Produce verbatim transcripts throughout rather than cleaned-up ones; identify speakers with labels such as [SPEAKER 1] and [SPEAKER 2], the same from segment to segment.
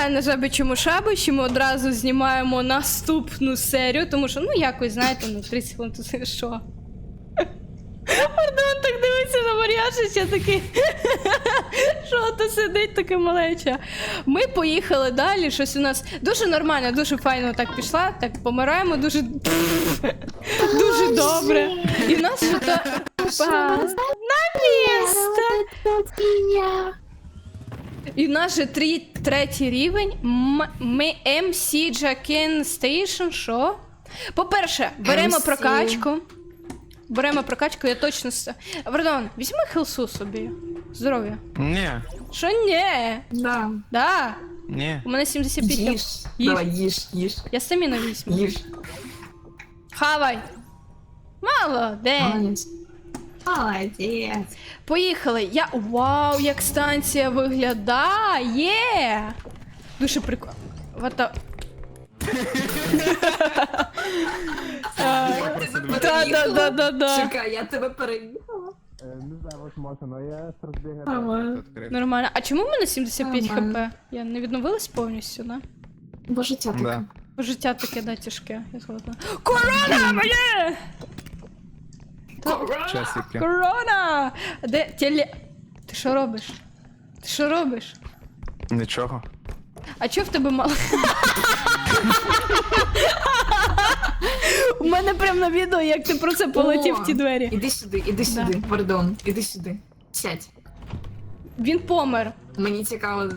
[SPEAKER 1] знаю на жабичому шабичі, ми одразу знімаємо наступну серію, тому що, ну, якось, знаєте, ну, тридцять хвилин, то це що? Пардон, так дивиться на Мар'яшу, ще такий, що то сидить таке малече. Ми поїхали далі, щось у нас дуже нормально, дуже файно так пішла, так помираємо дуже, дуже добре. І в нас що-то на місто. І в нас же три, третій рівень, М- ми ем сі Jacken Station, що? По-перше, беремо
[SPEAKER 2] ем сі.
[SPEAKER 1] прокачку. Беремо прокачку, я точно... с- Пардон, візьми хелсу собі. Здоров'я.
[SPEAKER 3] Ні,
[SPEAKER 1] Що ні?
[SPEAKER 2] Да.
[SPEAKER 1] Да.
[SPEAKER 3] ні.
[SPEAKER 1] У мене сімдесят п'ять.
[SPEAKER 2] Їж.
[SPEAKER 1] Їж.
[SPEAKER 2] Давай, їж, їж.
[SPEAKER 1] Я стаміну візьму.
[SPEAKER 2] Їж.
[SPEAKER 1] Хавай. Молодець.
[SPEAKER 2] Молодець. Молодець.
[SPEAKER 1] Поїхали. Я... Вау, як станція виглядає. Дуже прикольно. Вата... Да-да-да-да-да.
[SPEAKER 2] Чекай, я тебе переїхала.
[SPEAKER 3] Не знаю, от може, але я розбігаю.
[SPEAKER 2] Нормально.
[SPEAKER 1] Нормально. А чому в мене сімдесят п'ять
[SPEAKER 2] Нормально.
[SPEAKER 1] хп? Я не відновилась повністю, да?
[SPEAKER 2] Бо життя таке.
[SPEAKER 3] Да.
[SPEAKER 1] Бо життя таке, да, тяжке. Я згодна. Корона моє!
[SPEAKER 3] Часики.
[SPEAKER 1] Корона! Де теле... Ти що робиш? Ти що робиш?
[SPEAKER 3] Нічого.
[SPEAKER 1] А чого в тебе мало? У мене прям на відео, як ти про це полетів в ті двері.
[SPEAKER 2] Іди сюди, іди сюди, пардон, іди сюди. Сядь.
[SPEAKER 1] Він помер.
[SPEAKER 2] Мені цікаво.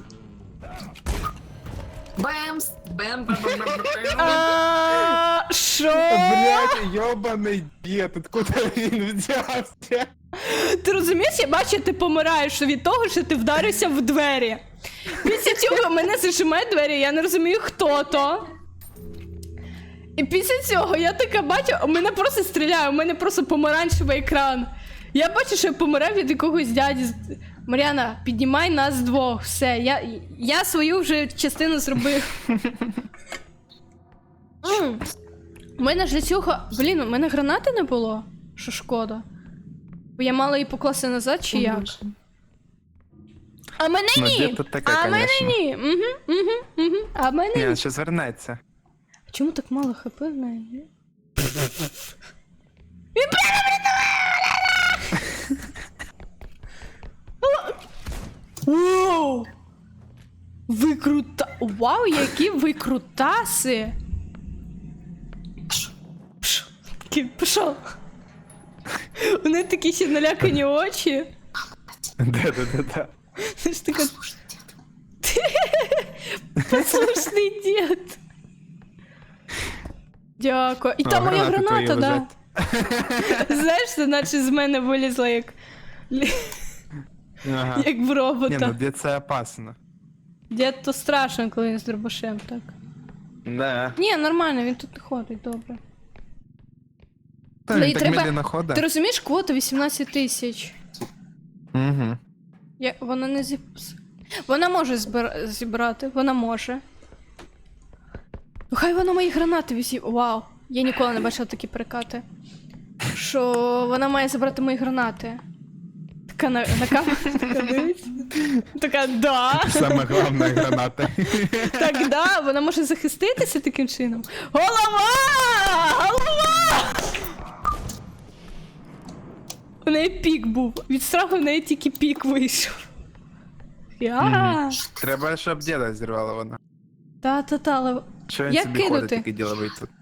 [SPEAKER 2] Бемс! Бем, бем, бем, бем, бем.
[SPEAKER 1] А, Що?
[SPEAKER 3] Блять, йобаний дід, откуда він взявся?
[SPEAKER 1] Ти розумієш, я бачу, ти помираєш від того, що ти вдарився в двері. Після цього мене зажимають двері, я не розумію, хто то. І після цього я така бачу, у мене просто стріляє, у мене просто помаранчевий екран. Я бачу, що я помираю від якогось дяді. Мар'яна, піднімай нас двох, все, я, я свою вже частину зробив. М. У мене ж для цього, блін, у мене гранати не було, що шкода. Бо я мала її покласти назад, чи як? А мене
[SPEAKER 3] Ну,
[SPEAKER 1] ні!
[SPEAKER 3] дід тут таке,
[SPEAKER 1] А мене
[SPEAKER 3] конечно.
[SPEAKER 1] ні! Угу, угу, угу. А мене
[SPEAKER 3] Ні,
[SPEAKER 1] ні!
[SPEAKER 3] він ще звернеться.
[SPEAKER 1] А чому так мало хп в неї? Вау! Ви крута... Вау, які ви крутаси! Пш, такий, Пішов. У неї такі ще налякані очі.
[SPEAKER 3] Да-да-да-да.
[SPEAKER 1] Це ж така... Послушний дід. Дякую. І
[SPEAKER 3] О,
[SPEAKER 1] там моя
[SPEAKER 3] гранати твої
[SPEAKER 1] граната, да.
[SPEAKER 3] лежать.
[SPEAKER 1] Знаєш, це наче з мене вилізла як...
[SPEAKER 3] Ага.
[SPEAKER 1] як в
[SPEAKER 3] Ні, ну
[SPEAKER 1] робота.
[SPEAKER 3] дід це опасно.
[SPEAKER 1] Дід то страшно, коли він з дробашем, так.
[SPEAKER 3] Да.
[SPEAKER 1] Ні, нормально, він тут не ходить, добре.
[SPEAKER 3] Та
[SPEAKER 1] Ну, і
[SPEAKER 3] він так
[SPEAKER 1] треба-
[SPEAKER 3] медленно
[SPEAKER 1] Ти
[SPEAKER 3] ходить.
[SPEAKER 1] розумієш, квота вісімнадцять тисяч.
[SPEAKER 3] Угу.
[SPEAKER 1] Я... Вона не зіб... Вона може збир... зібрати, вона може. Ну хай вона мої гранати візі... Вау, я ніколи не бачила такі перекати. Що вона має забрати мої гранати. Така на, на камеру така дивиться. Така, да.
[SPEAKER 3] Саме головне гранати.
[SPEAKER 1] Так, да, вона може захиститися таким чином. Голова! Голова! У неї пік був. Від страху в неї тільки пік вийшов. Я.
[SPEAKER 3] Треба, щоб діда зірвало вона.
[SPEAKER 1] Та-та-та, але...
[SPEAKER 3] Що він
[SPEAKER 1] Як
[SPEAKER 3] собі ходить,
[SPEAKER 1] кинути?
[SPEAKER 3] такий діловий тут.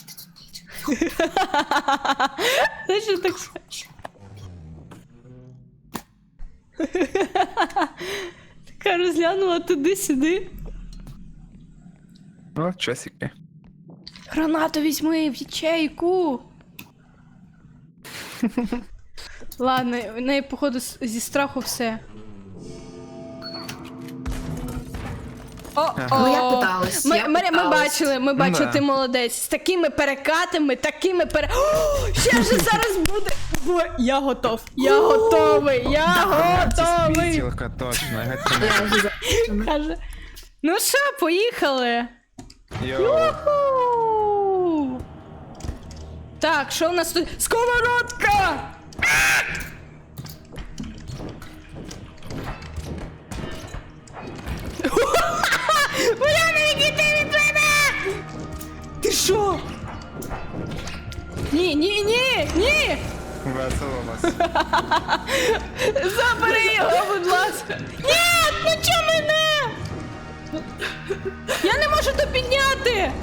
[SPEAKER 1] Знаєш, що так... Така розглянула туди-сюди.
[SPEAKER 3] О, часики.
[SPEAKER 1] Гранату візьми в ячейку. Ладно, в неї, походу, с- зі страху все. О,
[SPEAKER 2] Ну, я питалась,
[SPEAKER 1] Ми,
[SPEAKER 2] я
[SPEAKER 1] Марія, ми
[SPEAKER 2] питалась.
[SPEAKER 1] бачили, ми бачили,
[SPEAKER 3] Да.
[SPEAKER 1] ти молодець. З такими перекатами, такими пере... О, ще вже зараз буде... Бо я готов, я готовий, я готовий.
[SPEAKER 3] Спітілка, точно. я готов.
[SPEAKER 2] Я вже за-
[SPEAKER 1] Каже, ну що, поїхали.
[SPEAKER 3] Йоу.
[SPEAKER 1] Уху! Так, що у нас тут? Сковородка! Ви Ні, ні, ні, ні!
[SPEAKER 3] Весело у вас.
[SPEAKER 1] Забери його, будь ласка. Ні, ну чого мене? Я не можу то підняти.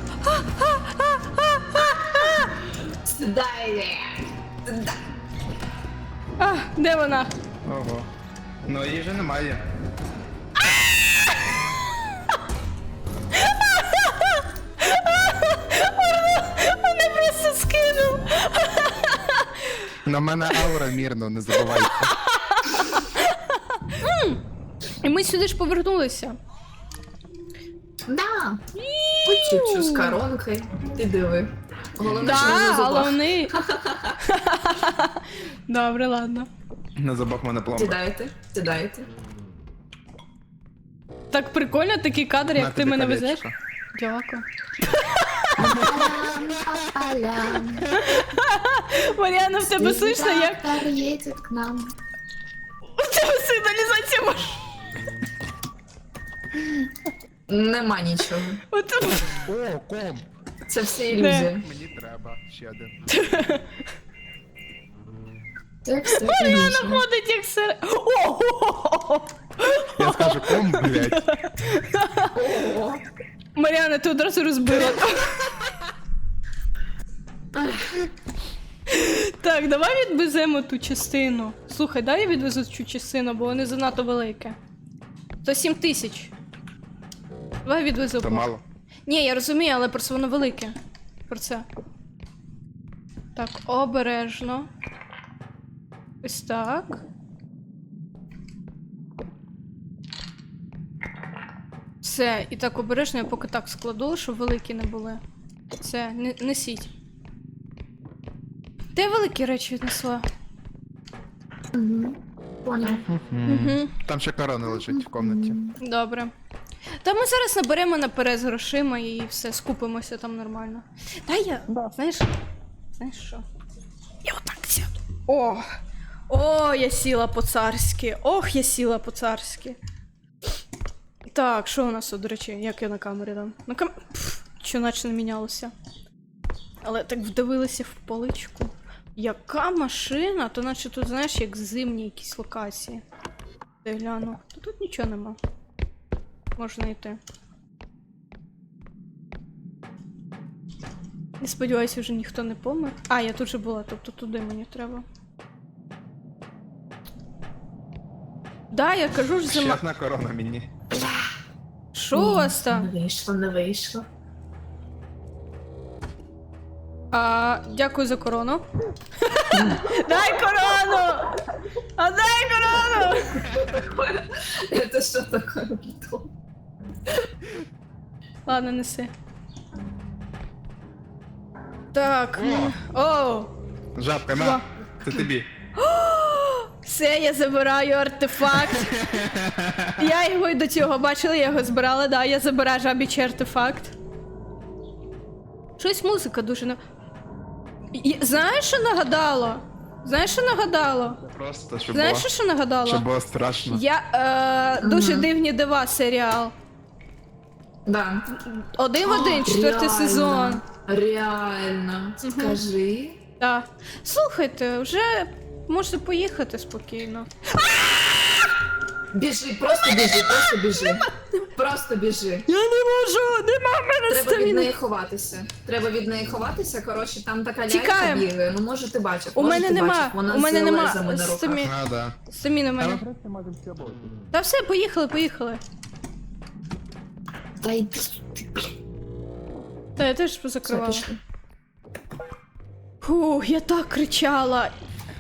[SPEAKER 2] Сідай! Сідай!
[SPEAKER 1] А, де вона?
[SPEAKER 3] Ого. Ну її же немає.
[SPEAKER 1] Мене просто скинув.
[SPEAKER 3] На мене аура мірно, не забувайте.
[SPEAKER 1] І ми сюди ж повернулися.
[SPEAKER 2] Да! Почіпчу з коронкою. Ти диви. Головне, що не
[SPEAKER 1] Да,
[SPEAKER 2] на зубах.
[SPEAKER 1] головний. Добре, ладно.
[SPEAKER 3] На зубах в мене пломба.
[SPEAKER 2] Сідайте, сідайте.
[SPEAKER 1] Так прикольно такий кадр, як
[SPEAKER 3] На
[SPEAKER 1] ти
[SPEAKER 3] тобі
[SPEAKER 1] мене
[SPEAKER 3] колечко.
[SPEAKER 1] везеш. Дякую. Мар'яна, в тебе слышно, як
[SPEAKER 2] едет к нам.
[SPEAKER 1] у тебе сигналізація маш.
[SPEAKER 2] Нема нічого.
[SPEAKER 1] От...
[SPEAKER 3] О, ком!
[SPEAKER 2] Це все ілюзія.
[SPEAKER 3] Мені треба ще один.
[SPEAKER 2] Це все
[SPEAKER 1] Мар'яна
[SPEAKER 2] ілюзія.
[SPEAKER 1] ходить як сир. О!
[SPEAKER 3] Я скажу ком, блядь.
[SPEAKER 2] Ого.
[SPEAKER 1] Мар'яна, ти одразу розбила. Так, давай відвеземо ту частину. Слухай, дай я відвезу цю частину, бо вони занадто велике. То сім тисяч. Давай відвезу.
[SPEAKER 3] То мало.
[SPEAKER 1] Ні, я розумію, але просто воно велике. Про це. Так, обережно. Ось так. Все, і так обережно, я поки так складу, щоб великі не були. Все, не, несіть. Де великі речі віднесла?
[SPEAKER 2] Мгм. Поняв.
[SPEAKER 1] Угу.
[SPEAKER 3] Там ще корона лежить в комнаті.
[SPEAKER 1] Добре. Та ми зараз наберемо наперед з грошима і все, скупимося там нормально. Та я, знаєш, знаєш що? Я отак сяду. О! О, я сіла по-царськи. Ох, я сіла по-царськи. Так, що у нас тут, до речі, як я на камері там? На кам... Пф, що наче не мінялося. Але так вдивилася в поличку. Яка машина? То наче тут, знаєш, як зимні якісь локації. Де гляну. Та тут нічого нема. Можна йти. Я сподіваюся, вже ніхто не помер. А, я тут же була, тобто туди мені треба. Да, я кажу ж
[SPEAKER 3] Ще
[SPEAKER 1] зима.
[SPEAKER 3] одна корона мені.
[SPEAKER 1] Що у вас
[SPEAKER 2] Не
[SPEAKER 1] там?
[SPEAKER 2] вийшло, не вийшло.
[SPEAKER 1] А, дякую за корону. Дай корону! А дай корону!
[SPEAKER 2] Это що таке?
[SPEAKER 1] Ладно, неси. Так. О!
[SPEAKER 3] Жабка,
[SPEAKER 1] Два.
[SPEAKER 3] на. Це тобі.
[SPEAKER 1] Все, я забираю артефакт. Я його й до цього бачила, я його збирала, да, я забираю жабічий артефакт. Щось музика дуже на. І- Знаєш, що нагадало? Знаєш, що нагадало?
[SPEAKER 3] Просто, щоб
[SPEAKER 1] Знаєш,
[SPEAKER 3] було,
[SPEAKER 1] що, що нагадало?
[SPEAKER 3] щоб було страшно.
[SPEAKER 1] Я е, дуже дивні дива серіал.
[SPEAKER 2] Да.
[SPEAKER 1] Один в один, четвертий
[SPEAKER 2] Реально.
[SPEAKER 1] сезон.
[SPEAKER 2] Реально. Скажи.
[SPEAKER 1] Так. Слухайте, вже можете поїхати спокійно.
[SPEAKER 2] Біжи, просто біжи, просто біжи. Просто біжи.
[SPEAKER 1] Я не можу, нема в мене
[SPEAKER 2] Треба від
[SPEAKER 1] стаміни.
[SPEAKER 2] неї ховатися. Треба від неї ховатися. Коротше, там така лялька
[SPEAKER 1] Тікаємо.
[SPEAKER 2] бігає. Ну, може, ти бачив.
[SPEAKER 1] У
[SPEAKER 2] може,
[SPEAKER 1] мене
[SPEAKER 2] ти
[SPEAKER 1] нема,
[SPEAKER 2] бачив. Вона
[SPEAKER 1] у мене
[SPEAKER 2] з
[SPEAKER 1] нема
[SPEAKER 2] лезами на руках.
[SPEAKER 1] стамі...
[SPEAKER 3] А, да.
[SPEAKER 1] стаміни в мене. Та все, поїхали, поїхали.
[SPEAKER 2] Та йди сюди.
[SPEAKER 1] Та я теж
[SPEAKER 2] Все,
[SPEAKER 1] позакривала.
[SPEAKER 2] пішли.
[SPEAKER 1] Фух, я так кричала.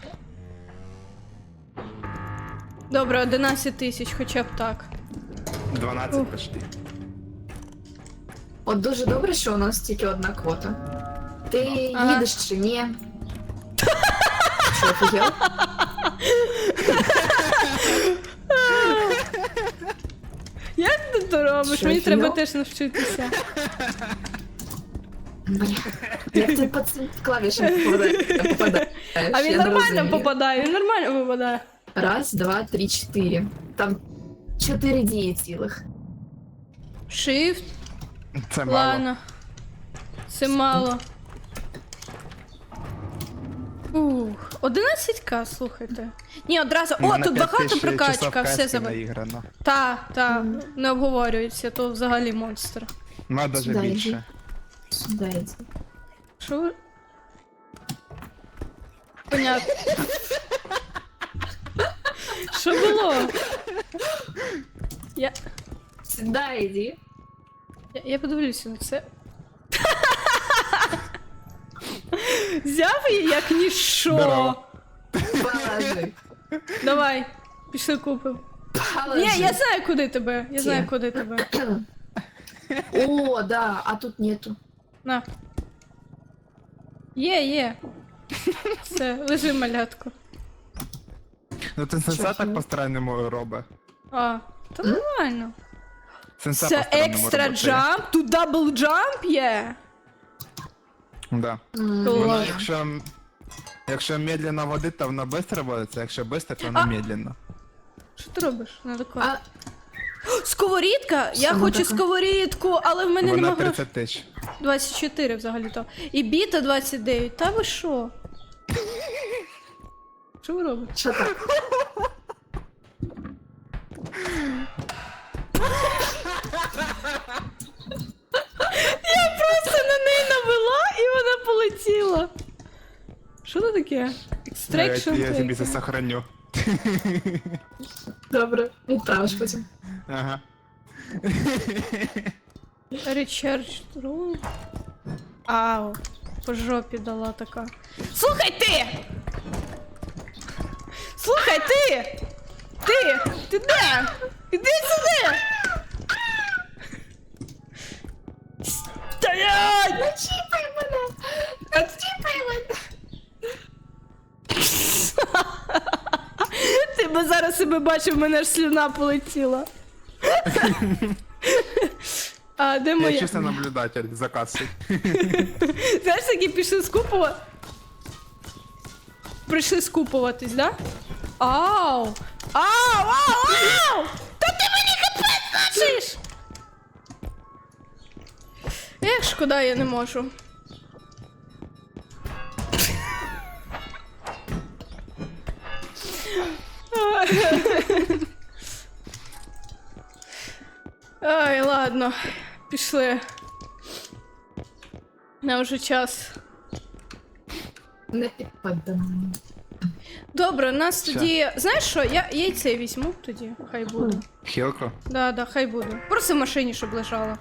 [SPEAKER 1] Добре, одинадцять тисяч, хоча б так.
[SPEAKER 3] дванадцять почти.
[SPEAKER 2] От дуже добре, що у нас тільки одна квота. Ти
[SPEAKER 1] Ага.
[SPEAKER 2] їдеш чи ні? Що, офігел?
[SPEAKER 1] Як ти то робиш?
[SPEAKER 2] Що,
[SPEAKER 1] Мені треба
[SPEAKER 2] фігня?
[SPEAKER 1] теж навчитися.
[SPEAKER 2] Бля, як ти по цим клавішам попадаєш? попадаєш?
[SPEAKER 1] А він
[SPEAKER 2] Я не
[SPEAKER 1] нормально
[SPEAKER 2] розумію.
[SPEAKER 1] попадає, він нормально попадає.
[SPEAKER 2] Раз, два, три, чотири. Там чотири дії цілих.
[SPEAKER 1] Shift,
[SPEAKER 3] Це мало.
[SPEAKER 1] ладно. Це мало. Фух. одинадцять ка, слухайте. Ні, одразу.
[SPEAKER 3] У
[SPEAKER 1] О,
[SPEAKER 3] мене
[SPEAKER 1] тут
[SPEAKER 3] п'ять
[SPEAKER 1] багато
[SPEAKER 3] тисяч
[SPEAKER 1] прокачка,
[SPEAKER 3] часов
[SPEAKER 1] все
[SPEAKER 3] каски
[SPEAKER 1] забив.
[SPEAKER 3] наіграно.
[SPEAKER 1] Та, та, не обговорюється, то взагалі монстр.
[SPEAKER 3] Ну, а даже
[SPEAKER 2] Сюди йди.
[SPEAKER 3] більше.
[SPEAKER 2] Сюди йди.
[SPEAKER 1] Що ви? Понятно. Що було? Я,
[SPEAKER 2] Сюди йди.
[SPEAKER 1] я, я подивлюся на це. Взяв її як ніщо.
[SPEAKER 3] Здорово.
[SPEAKER 2] Положи.
[SPEAKER 1] Давай, пішли купимо.
[SPEAKER 2] Положи.
[SPEAKER 1] Ні, я знаю, куди тебе. Я знаю,
[SPEAKER 2] Ті.
[SPEAKER 1] куди тебе.
[SPEAKER 2] О, да, а тут нету.
[SPEAKER 1] На. Є, є. Все, лежи, малятко.
[SPEAKER 3] Ну ти сенса
[SPEAKER 2] Чого?
[SPEAKER 3] так по-странному робить.
[SPEAKER 1] А, то нормально.
[SPEAKER 3] Сенса
[SPEAKER 1] Це
[SPEAKER 3] по-странному
[SPEAKER 1] екстра
[SPEAKER 3] робить.
[SPEAKER 1] джамп, тут дабл джамп є.
[SPEAKER 3] Да.
[SPEAKER 2] М,
[SPEAKER 1] Клас.
[SPEAKER 3] Воно, якщо, якщо медленно водить, то воно швидко водиться, якщо швидко, то воно
[SPEAKER 1] А.
[SPEAKER 3] медленно.
[SPEAKER 1] Що ти робиш? Надо
[SPEAKER 2] А,
[SPEAKER 1] класти. Сковорідка? Я
[SPEAKER 2] Саме
[SPEAKER 1] хочу
[SPEAKER 2] така.
[SPEAKER 1] сковорідку, але в мене
[SPEAKER 3] Вона
[SPEAKER 1] нема грошей.
[SPEAKER 3] тридцять тисяч.
[SPEAKER 1] двадцять чотири взагалі-то. І біта двадцять дев'ять. Та ви що? Що ви робите?
[SPEAKER 2] що так?
[SPEAKER 1] Я просто на неї навела і вона полетіла. Що це таке?
[SPEAKER 3] Я,
[SPEAKER 1] Extraction
[SPEAKER 3] я тобі це
[SPEAKER 1] taken.
[SPEAKER 3] сохраню.
[SPEAKER 2] Добре, відправиш потім.
[SPEAKER 3] Ага.
[SPEAKER 1] Recharge room. Ау. По жопі дала така. Слухай ти! Слухай ти! Ти! Ти де? Іди сюди! Стоять!
[SPEAKER 2] Начіпай мене! Начіпай мене!
[SPEAKER 1] Ти би зараз себе бачив, в мене аж слюна полетіла. А де
[SPEAKER 3] Я
[SPEAKER 1] моя?
[SPEAKER 3] чисто наблюдатель за касою.
[SPEAKER 1] Знаєш, такі пішли скупувати. Прийшли скупуватись, да? Ау! Ау! Ау! Ау! Та ти мені капець начиш! Ех, шкода, я не можу. Ай, ладно, пішли. На вже час.
[SPEAKER 2] Не підпадай.
[SPEAKER 1] Добре, у нас
[SPEAKER 3] Що?
[SPEAKER 1] тоді. Знаєш що? Я яйце візьму тоді, хай буде.
[SPEAKER 3] Хілку?
[SPEAKER 1] Да, да, хай буде. Просто в машині, щоб лежала.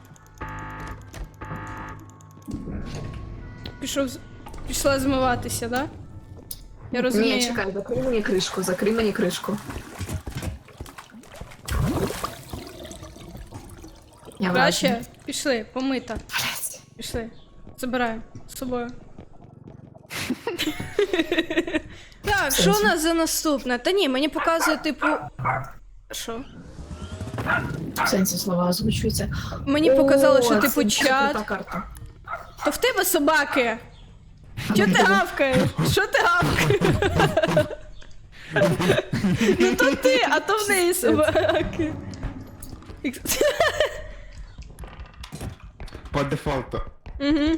[SPEAKER 1] Пішов. з- Пішла змиватися, да? Я розумію.
[SPEAKER 2] Ні, чекай, закрий мені кришку, закрий мені кришку. Я
[SPEAKER 1] Краще, пішли, помита.
[SPEAKER 2] Блядь.
[SPEAKER 1] Пішли. Забираю з собою. Так, що у нас за наступне? Та ні, мені показує, типу. Що?
[SPEAKER 2] В сенсі слова озвучуються.
[SPEAKER 1] Мені показало,
[SPEAKER 2] О,
[SPEAKER 1] що
[SPEAKER 2] це-
[SPEAKER 1] типу
[SPEAKER 2] це
[SPEAKER 1] чат.
[SPEAKER 2] крута карта.
[SPEAKER 1] То в тебе собаки. Чо ти гавкаєш? Що ти гавкаєш? Ну то ти, а то в неї собаки.
[SPEAKER 3] По дефолту.
[SPEAKER 1] Угу.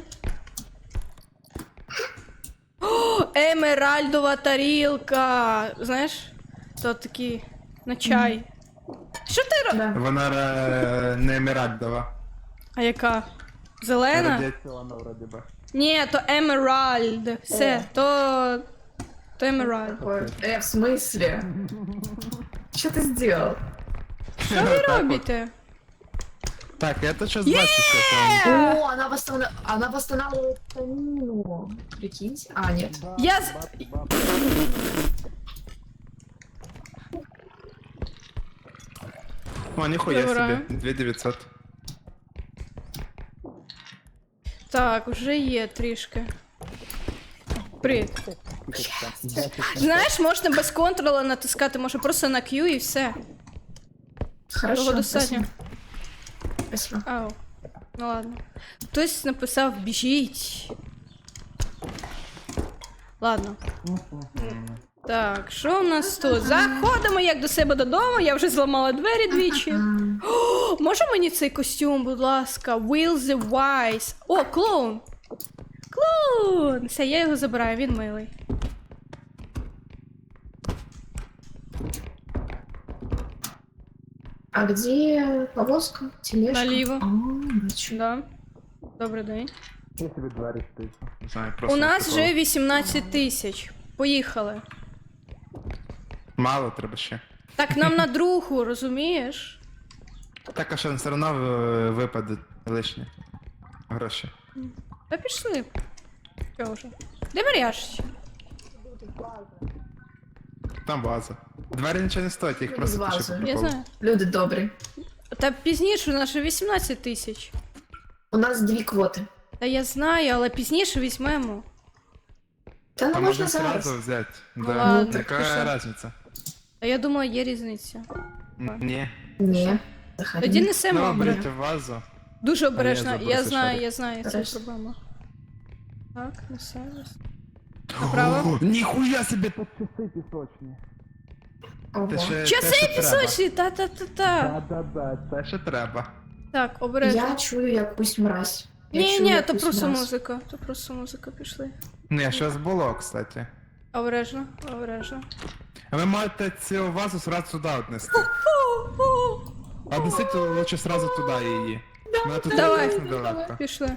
[SPEAKER 1] О, емеральдова тарілка. Знаєш? То такі на чай. Що ти робиш?
[SPEAKER 2] Да.
[SPEAKER 3] Вона е, не емеральдова.
[SPEAKER 1] А яка? Зелена?
[SPEAKER 3] Радіаційна вроді би.
[SPEAKER 1] Ні, то емеральд. Все, то. То емеральд.
[SPEAKER 2] Ой, Э, в смысле? Что ты сделал?
[SPEAKER 1] Що ви робите?
[SPEAKER 3] Так, я то щось бачу, що там.
[SPEAKER 2] О, она восстанавливает, она восстанавливает станину. Прикиньте. А, нет.
[SPEAKER 1] Я з...
[SPEAKER 3] О, ніхуя
[SPEAKER 1] Добре.
[SPEAKER 3] собі. дві тисячі дев'ятсот.
[SPEAKER 1] Так, вже є трішки. Привіт. Знаєш, можна без контрола натискати, може просто на Q і все.
[SPEAKER 2] Хорошо.
[SPEAKER 1] Того достатньо.
[SPEAKER 2] Спасибо.
[SPEAKER 1] Ау. Ну ладно. Хтось написав біжіть. Ладно. Так, що у нас тут? Заходимо як до себе додому, я вже зламала двері двічі.
[SPEAKER 2] М,
[SPEAKER 1] О, може мені цей костюм, будь ласка? Will the Wise. О, клоун! Клоун! Все, я його забираю, він милий.
[SPEAKER 2] А где повозка? Тележка?
[SPEAKER 1] Наліво.
[SPEAKER 2] А, бачу.
[SPEAKER 1] Да. Добрий день.
[SPEAKER 3] Я собі двері стисну. Не знаю,
[SPEAKER 1] У
[SPEAKER 3] просто.
[SPEAKER 1] нас
[SPEAKER 3] такого.
[SPEAKER 1] вже вісімнадцять тисяч. Поїхали.
[SPEAKER 3] Мало треба ще.
[SPEAKER 1] Так нам на другу, розумієш?
[SPEAKER 3] Так, а що все одно е, випадуть лишні гроші.
[SPEAKER 1] Та пішли. Чого вже? Де Мар'яш?
[SPEAKER 3] Там база. Двері нічого не стоять, їх
[SPEAKER 2] З
[SPEAKER 3] просто
[SPEAKER 2] вазою.
[SPEAKER 3] тиші
[SPEAKER 1] Я
[SPEAKER 3] попали.
[SPEAKER 1] знаю.
[SPEAKER 2] Люди добрі.
[SPEAKER 1] Та пізніше у нас ще вісімнадцять тисяч.
[SPEAKER 2] У нас дві квоти.
[SPEAKER 1] Та я знаю, але пізніше візьмемо.
[SPEAKER 2] Та не
[SPEAKER 3] А
[SPEAKER 2] можна
[SPEAKER 3] можна
[SPEAKER 2] зараз.
[SPEAKER 3] сразу взяти.
[SPEAKER 1] Ну
[SPEAKER 3] Да.
[SPEAKER 1] ладно,
[SPEAKER 3] Яка
[SPEAKER 1] пішли.
[SPEAKER 3] різниця?
[SPEAKER 1] А я думала, є різниця.
[SPEAKER 3] Н- Ні.
[SPEAKER 2] Ні. Заходи.
[SPEAKER 1] Тоді несемо.
[SPEAKER 3] Ну,
[SPEAKER 1] обережно.
[SPEAKER 3] берете в вазу.
[SPEAKER 1] Дуже обережно.
[SPEAKER 3] забув
[SPEAKER 1] Я
[SPEAKER 3] цей
[SPEAKER 1] знаю,
[SPEAKER 3] шарик.
[SPEAKER 1] я знаю, це
[SPEAKER 2] Хорошо.
[SPEAKER 1] проблема. Так, несемо. Направо.
[SPEAKER 3] О, ніхуя собі тут часи пісочні.
[SPEAKER 2] Ого.
[SPEAKER 3] Це ще,
[SPEAKER 1] Часи
[SPEAKER 3] те, що треба.
[SPEAKER 1] пісочні, та-та-та-та.
[SPEAKER 3] Да-да-да, це ще треба.
[SPEAKER 1] Так, обережно.
[SPEAKER 2] Я чую якусь мразь. Я
[SPEAKER 1] Ні,
[SPEAKER 2] чую
[SPEAKER 1] ні, то
[SPEAKER 2] якусь
[SPEAKER 1] просто
[SPEAKER 2] мразь.
[SPEAKER 1] музика. То просто музика пішли.
[SPEAKER 3] Не, щось було, кстати.
[SPEAKER 1] Обережно, обережно.
[SPEAKER 3] А ви можете цю вазу сразу сюди отнести. А несіть лучше сразу туди її. Вона тут
[SPEAKER 1] Давай.
[SPEAKER 3] якраз недалеко.
[SPEAKER 1] Пішли.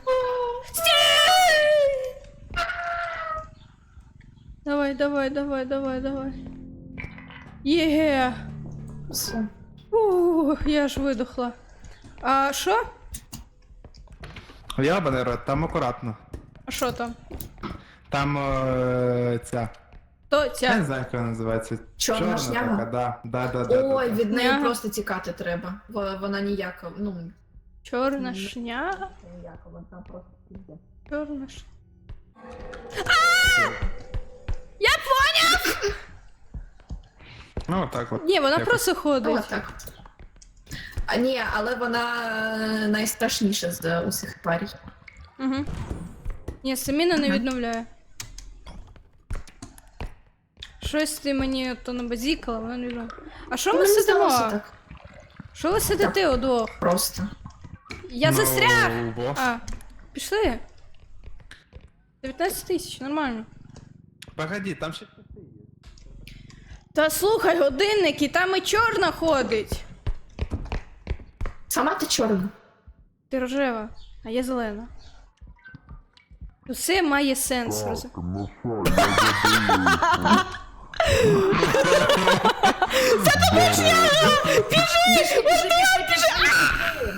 [SPEAKER 1] Давай, давай, давай, давай, давай. Є.
[SPEAKER 2] Все.
[SPEAKER 1] Ух, я аж видохла. А що?
[SPEAKER 3] Ябаний рот, там акуратно.
[SPEAKER 1] А що там?
[SPEAKER 3] Там е, ця.
[SPEAKER 1] То
[SPEAKER 3] Я не
[SPEAKER 1] ця.
[SPEAKER 3] знаю, як вона називається.
[SPEAKER 2] Чорна шняга?
[SPEAKER 3] така, да. Да, да, да,
[SPEAKER 2] Ой,
[SPEAKER 3] да,
[SPEAKER 2] від неї
[SPEAKER 1] Няга.
[SPEAKER 2] просто тікати треба. Во- Вона ніяка, ну,
[SPEAKER 1] Чорна шняга.
[SPEAKER 2] ніяка, вона просто піде.
[SPEAKER 1] Чорна ш... Я поняв!
[SPEAKER 3] Ну, отак от.
[SPEAKER 1] Ні, вона
[SPEAKER 3] Якось.
[SPEAKER 1] просто
[SPEAKER 2] Ну,
[SPEAKER 1] ходить.
[SPEAKER 2] отак. А ні, але вона е, найстрашніша з усіх парій.
[SPEAKER 1] Угу. Ні, Саміна не відновляє. Щось ти мені то набазікала, вона не відновляє. А що ми
[SPEAKER 2] Мені
[SPEAKER 1] сидимо?
[SPEAKER 2] здалося так
[SPEAKER 1] Що ви сидите удвох?
[SPEAKER 2] просто.
[SPEAKER 1] Я
[SPEAKER 3] Ну,
[SPEAKER 1] застряг!
[SPEAKER 3] во.
[SPEAKER 1] А, пішли. дев'ятнадцять тисяч, нормально.
[SPEAKER 3] Погоди, там ще часи є.
[SPEAKER 1] Та слухай, годинники, там і чорна ходить.
[SPEAKER 2] Сама ти чорна.
[SPEAKER 1] Ти рожева, а я зелена. Усе має сенс. роз-
[SPEAKER 2] Біжи, біжи, біжи, біжи.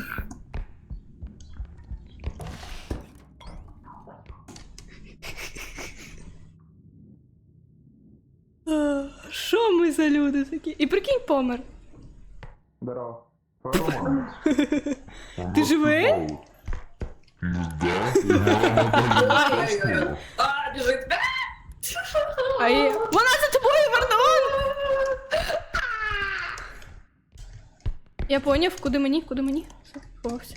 [SPEAKER 1] А, Що ми за люди такі? І прикинь, помер.
[SPEAKER 3] Здорово.
[SPEAKER 1] Ти живий?
[SPEAKER 2] Ой-ой-ой. А, біжить.
[SPEAKER 1] А є... Вона за тобою, Вардон! Я поняв, куди мені, куди мені. Все, ховався.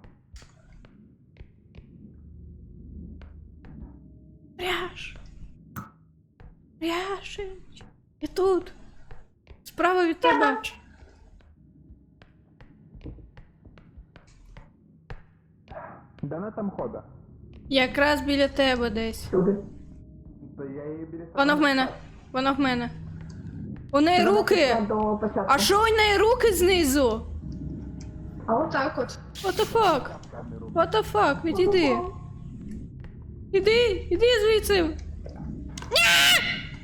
[SPEAKER 1] Ряш. Ряшич. Я тут. Справа від тебе.
[SPEAKER 3] Де вона там хода?
[SPEAKER 1] Якраз біля тебе десь.
[SPEAKER 2] Сюди.
[SPEAKER 3] Та я її біля
[SPEAKER 1] Вона в мене. Вона в мене. У неї руки.
[SPEAKER 2] До початку.
[SPEAKER 1] А що у неї руки знизу?
[SPEAKER 2] А отак от.
[SPEAKER 1] What the fuck? What the fuck? Відійди. Іди, іди звідси. Ні!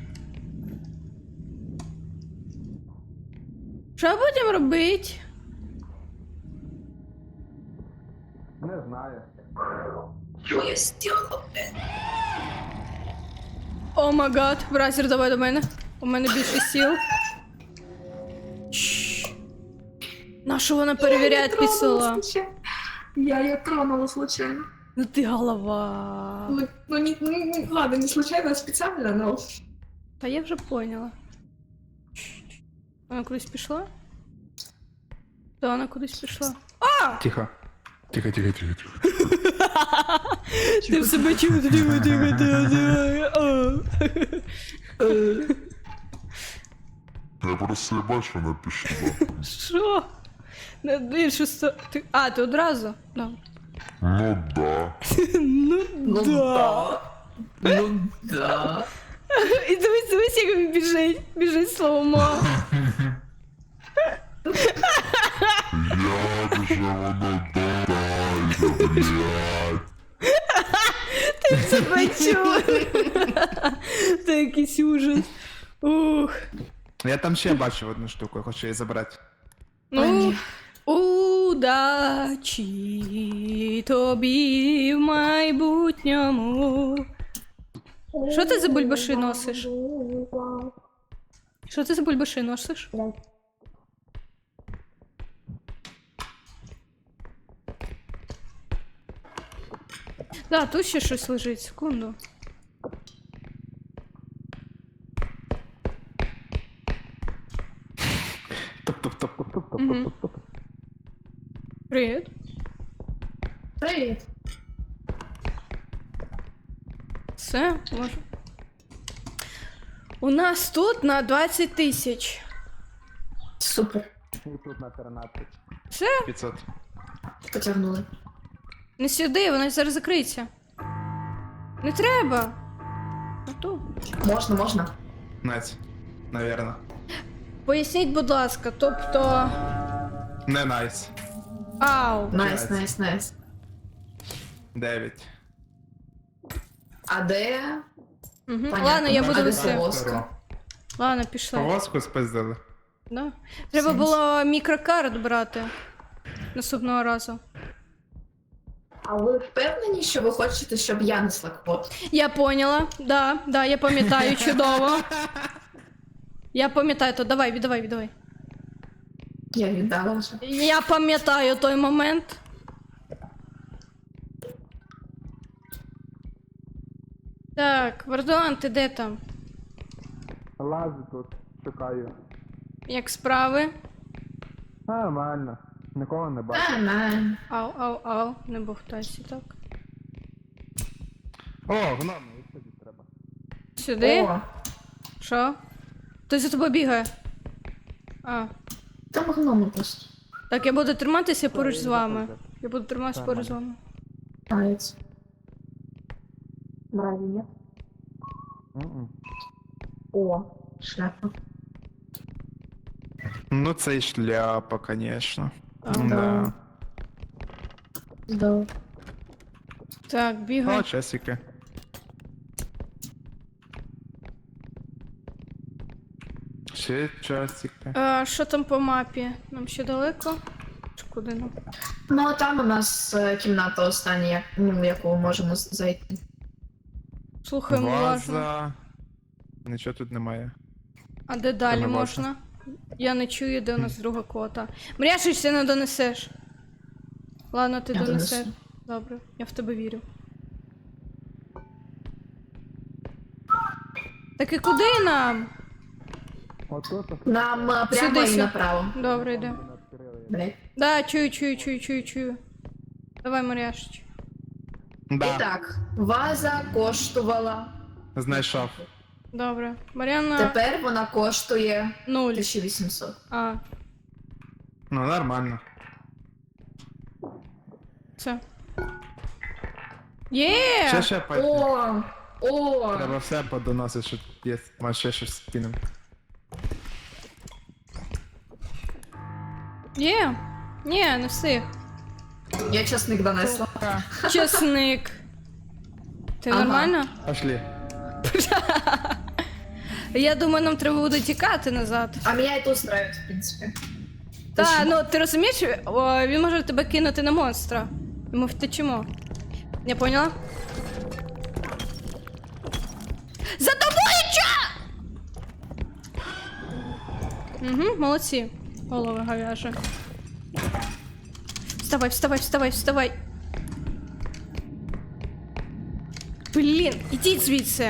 [SPEAKER 1] Що будемо робити?
[SPEAKER 3] Не знаю.
[SPEAKER 2] Що я зробила?
[SPEAKER 1] О май гад, бразер, давай до мене. У мене більше сіл. Чш. На що вона перевіряє твій села?
[SPEAKER 2] Я ее тронула случайно.
[SPEAKER 1] Ну ти голова.
[SPEAKER 2] Ну, ну, не, не, не, ладно, не случайно, а специально, но...
[SPEAKER 1] Та я вже поняла. Чш. Вона кудись пішла? Та вона кудись пішла. А!
[SPEAKER 3] Тихо. Тихо, тихо, тихо, тихо.
[SPEAKER 1] Ти в себе чув, тихо, тихо, тихо.
[SPEAKER 4] Я просто не бачу, вона пішла.
[SPEAKER 1] Що? На іншу сторону. А, ти одразу? Добре.
[SPEAKER 4] Ну да.
[SPEAKER 1] Ну
[SPEAKER 2] Ну
[SPEAKER 1] да.
[SPEAKER 2] да. Ну да.
[SPEAKER 1] І дивись, дивись, як він біжить. Біжить словомо.
[SPEAKER 4] вже воно дорає, блядь.
[SPEAKER 1] Тебе чую. Це якийсь ужас. Ух.
[SPEAKER 3] Я там ще бачив одну штуку, я хочу її забрати.
[SPEAKER 1] Ну, удачі тобі в майбутньому. Що ти за бульбаши носиш? Що ти за бульбаши носиш? Да, тут ще щось лежить, секунду.
[SPEAKER 3] Топ-топ-топ-топ-топ-топ-топ.
[SPEAKER 1] Привіт.
[SPEAKER 2] Привіт.
[SPEAKER 1] Все, може. У нас тут на двадцять тисяч.
[SPEAKER 2] Супер.
[SPEAKER 3] І тут на тринадцять.
[SPEAKER 1] Все,
[SPEAKER 3] п'ятсот.
[SPEAKER 2] Потягнули.
[SPEAKER 1] не сюди, вона зараз закриється. Не треба. А то.
[SPEAKER 2] Можна, можна.
[SPEAKER 3] Найс. Навірно.
[SPEAKER 1] Поясніть, будь ласка, тобто.
[SPEAKER 3] Не найс.
[SPEAKER 1] Ау.
[SPEAKER 2] Найс, найс, найс.
[SPEAKER 3] дев'ять.
[SPEAKER 2] А де?
[SPEAKER 1] Угу.
[SPEAKER 2] Понятно,
[SPEAKER 1] Ладно, я
[SPEAKER 2] а
[SPEAKER 1] буду
[SPEAKER 2] де
[SPEAKER 1] нести.
[SPEAKER 2] повозка?
[SPEAKER 1] Ладно, пішли.
[SPEAKER 3] Повозку спиздили.
[SPEAKER 1] Да? Треба
[SPEAKER 2] Сенс.
[SPEAKER 1] було мікрокарт брати наступного разу.
[SPEAKER 2] А ви впевнені, що ви хочете, щоб я несла квот?
[SPEAKER 1] Я поняла, да, да, я пам'ятаю чудово. Я пам'ятаю, то давай, віддавай, віддавай.
[SPEAKER 2] Я віддала вже.
[SPEAKER 1] Я пам'ятаю той момент. Так, Вардуан, ти де там?
[SPEAKER 3] Лазу тут, шукаю.
[SPEAKER 1] Як справи?
[SPEAKER 3] Нормально. Нікого не бачу.
[SPEAKER 2] А, на.
[SPEAKER 1] Ау, ау, ау, не бухтайся так.
[SPEAKER 3] О, гном, виходити треба.
[SPEAKER 1] Сюди?
[SPEAKER 2] О,
[SPEAKER 1] Що? Хтось за тобою бігає. А.
[SPEAKER 2] там гноми просто.
[SPEAKER 1] Так, я буду триматися поруч з вами. Я буду триматися поруч з вами.
[SPEAKER 2] Нравится. Мрази нет?
[SPEAKER 3] Мгм.
[SPEAKER 2] О, шляпа.
[SPEAKER 3] Ну це і шляпа, конечно.
[SPEAKER 1] Ага.
[SPEAKER 3] Да.
[SPEAKER 2] Да.
[SPEAKER 1] Так, бігай.
[SPEAKER 3] О, часики. Ще часики.
[SPEAKER 1] А, що там по мапі? Нам ще далеко? Чи куди нам?
[SPEAKER 2] Ну, а там у нас е, кімната остання, як- ну, в яку ми можемо з- зайти.
[SPEAKER 1] Слухаємо уважно.
[SPEAKER 3] Ваза. Нічого тут немає.
[SPEAKER 1] А де далі
[SPEAKER 3] Там і
[SPEAKER 1] можна? Я не чую, де у нас друга кота. Мряшиш, ти не донесеш. Ладно, ти
[SPEAKER 2] Я
[SPEAKER 1] донесеш.
[SPEAKER 2] донесу.
[SPEAKER 1] Добре, я в тебе вірю. Так і куди нам?
[SPEAKER 3] Отут
[SPEAKER 2] Нам е, прямо
[SPEAKER 1] Сюди,
[SPEAKER 2] і
[SPEAKER 1] сюди.
[SPEAKER 2] направо.
[SPEAKER 1] Добре, йде.
[SPEAKER 2] Блять.
[SPEAKER 1] Да, чую, чую, чую, чую, чую. Давай, Маряшич.
[SPEAKER 2] І
[SPEAKER 3] Да,
[SPEAKER 2] так, ваза коштувала.
[SPEAKER 3] знайшов.
[SPEAKER 1] Добре. Мар'яна
[SPEAKER 2] Тепер вона коштує
[SPEAKER 1] нуль.
[SPEAKER 2] тисяча вісімсот.
[SPEAKER 1] А,
[SPEAKER 3] Ну, нормально.
[SPEAKER 1] це. Є!
[SPEAKER 3] Ще ще пойти.
[SPEAKER 2] О! О!
[SPEAKER 3] Треба все подоносити, що є. Може ще щось скинем.
[SPEAKER 1] Є! Ні, не встиг.
[SPEAKER 2] Я часник донесла.
[SPEAKER 1] Чесник. Ти
[SPEAKER 2] Ага.
[SPEAKER 1] нормально?
[SPEAKER 3] Пошли.
[SPEAKER 1] Я думаю, нам треба буде тікати назад.
[SPEAKER 2] А мене це устраивает, в принципі.
[SPEAKER 1] Та, ну ти розумієш, о, він може тебе кинути на монстра. І ми втечемо. Я поняла? За тобою ча! Угу, молодці. Голови говяжі. Вставай, вставай, вставай, вставай. Блін, ідіть звідси.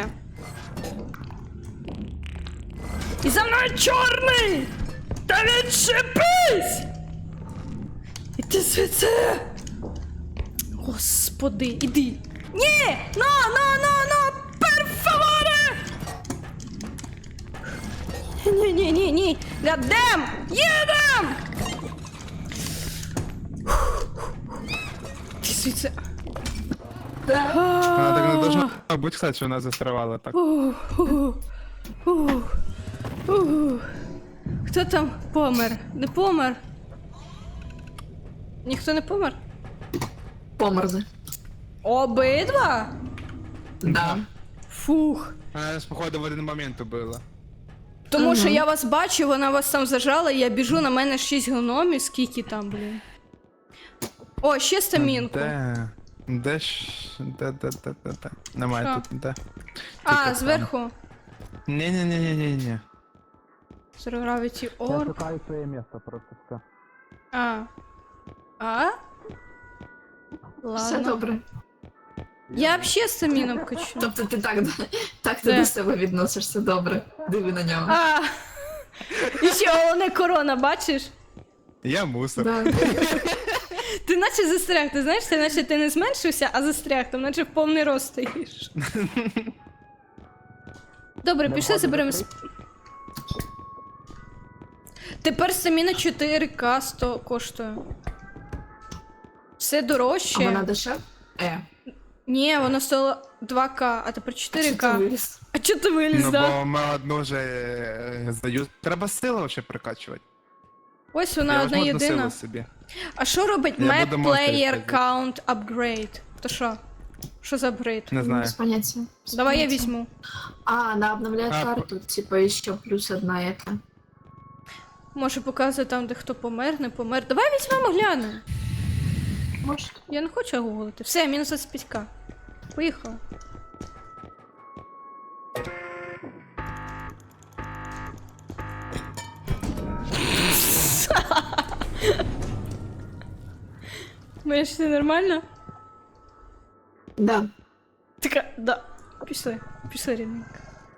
[SPEAKER 1] І за мною чорний! Та відчепись! Іди звідси! Господи, іди! Ні! Но, но, но, но! Пер фаворе! Ні, ні, ні, ні! Гадем! Їдем! Іди звідси!
[SPEAKER 3] Вона так не должна бути, кстати, що вона застрявала так.
[SPEAKER 1] Ух, ух, ух, ух. Хто там помер? Не помер? Ніхто не помер?
[SPEAKER 2] Померли.
[SPEAKER 1] Обидва?
[SPEAKER 2] Да.
[SPEAKER 1] Фух.
[SPEAKER 3] Мене, походу, в один момент убило.
[SPEAKER 1] Тому що
[SPEAKER 2] Ага.
[SPEAKER 1] я вас бачу, вона вас там зажала, і я біжу, на мене шість гномів, скільки там, блін. О, ще стамінку.
[SPEAKER 3] Де? Де ж? Де, де, де, де, де? Немає
[SPEAKER 1] Що?
[SPEAKER 3] тут, де.
[SPEAKER 1] А,
[SPEAKER 3] Тільки
[SPEAKER 1] зверху.
[SPEAKER 3] Ні-ні-ні-ні-ні.
[SPEAKER 1] Zero Gravity Orb.
[SPEAKER 3] шукаю своє місце просто все.
[SPEAKER 1] А. А?
[SPEAKER 2] Все
[SPEAKER 1] Ладно.
[SPEAKER 2] добре.
[SPEAKER 1] Я взагалі стаміном качу.
[SPEAKER 2] Тобто ти так, так ти
[SPEAKER 1] Де?
[SPEAKER 2] до себе відносишся добре. Диви на нього.
[SPEAKER 1] А. І ще головне корона, бачиш?
[SPEAKER 3] Я мусор.
[SPEAKER 2] Да.
[SPEAKER 1] Ти наче застряг, ти знаєш, ти наче ти не зменшився, а застряг, там наче в повний рост стоїш. Добре, пішли заберемо. сп- Тепер стаміна чотири ка сто коштує. Все
[SPEAKER 2] А
[SPEAKER 1] дорожче.
[SPEAKER 2] вона дешев? Е.
[SPEAKER 1] Ні, воно стоїло два ка, а тепер чотири
[SPEAKER 2] Що ти
[SPEAKER 1] ка.
[SPEAKER 2] виріс?
[SPEAKER 1] А чого ти виліз,
[SPEAKER 3] Ну,
[SPEAKER 1] да?
[SPEAKER 3] бо ми одну вже е, здаю. Треба силу вообще прокачувати.
[SPEAKER 1] Ось вона
[SPEAKER 3] Я
[SPEAKER 1] одна
[SPEAKER 3] возьму одну
[SPEAKER 1] єдина.
[SPEAKER 3] силу собі.
[SPEAKER 1] А що робить
[SPEAKER 3] Я
[SPEAKER 1] Map
[SPEAKER 3] буду монстрів
[SPEAKER 1] Player
[SPEAKER 3] ходити.
[SPEAKER 1] Count Upgrade? То що? Що за апгрейд?
[SPEAKER 3] Не знаю.
[SPEAKER 2] Без поняття. Без
[SPEAKER 1] Давай я
[SPEAKER 2] поняття.
[SPEAKER 1] візьму.
[SPEAKER 2] А, она обновляет
[SPEAKER 3] А,
[SPEAKER 2] карту, типа еще плюс одна это.
[SPEAKER 1] Може показує там, де хто помер, не помер. Давай візьмемо глянемо.
[SPEAKER 2] Может.
[SPEAKER 1] Я не хочу гуглити. Все, мінус двадцять п'ять ка. Поїхали. Моя ж все нормально?
[SPEAKER 2] Да.
[SPEAKER 1] Така, да. Пішли, пішли, рідненько.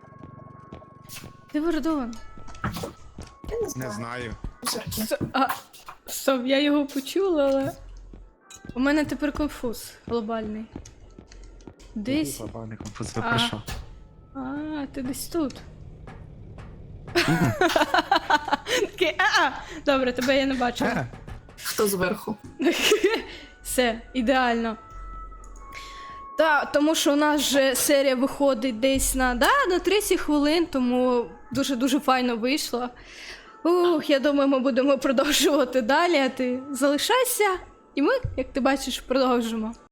[SPEAKER 1] Де Вордон?
[SPEAKER 2] Я не
[SPEAKER 3] Не
[SPEAKER 2] знаю.
[SPEAKER 3] знаю.
[SPEAKER 2] Мусорки.
[SPEAKER 1] С- А, стоп, я його почула, але. У мене тепер конфуз глобальний. Десь.
[SPEAKER 3] Глобальний конфуз,
[SPEAKER 1] А.
[SPEAKER 3] ви про що?
[SPEAKER 1] А, ти десь тут. Такий, а-а! Добре, тебе я не бачила.
[SPEAKER 3] Е,
[SPEAKER 2] Хто зверху?
[SPEAKER 1] Все, ідеально. Так, тому що у нас же серія виходить десь на, да, на тридцять хвилин, тому дуже-дуже файно вийшло. Ух, я думаю, ми будемо продовжувати далі, а ти залишайся, і ми, як ти бачиш, продовжимо.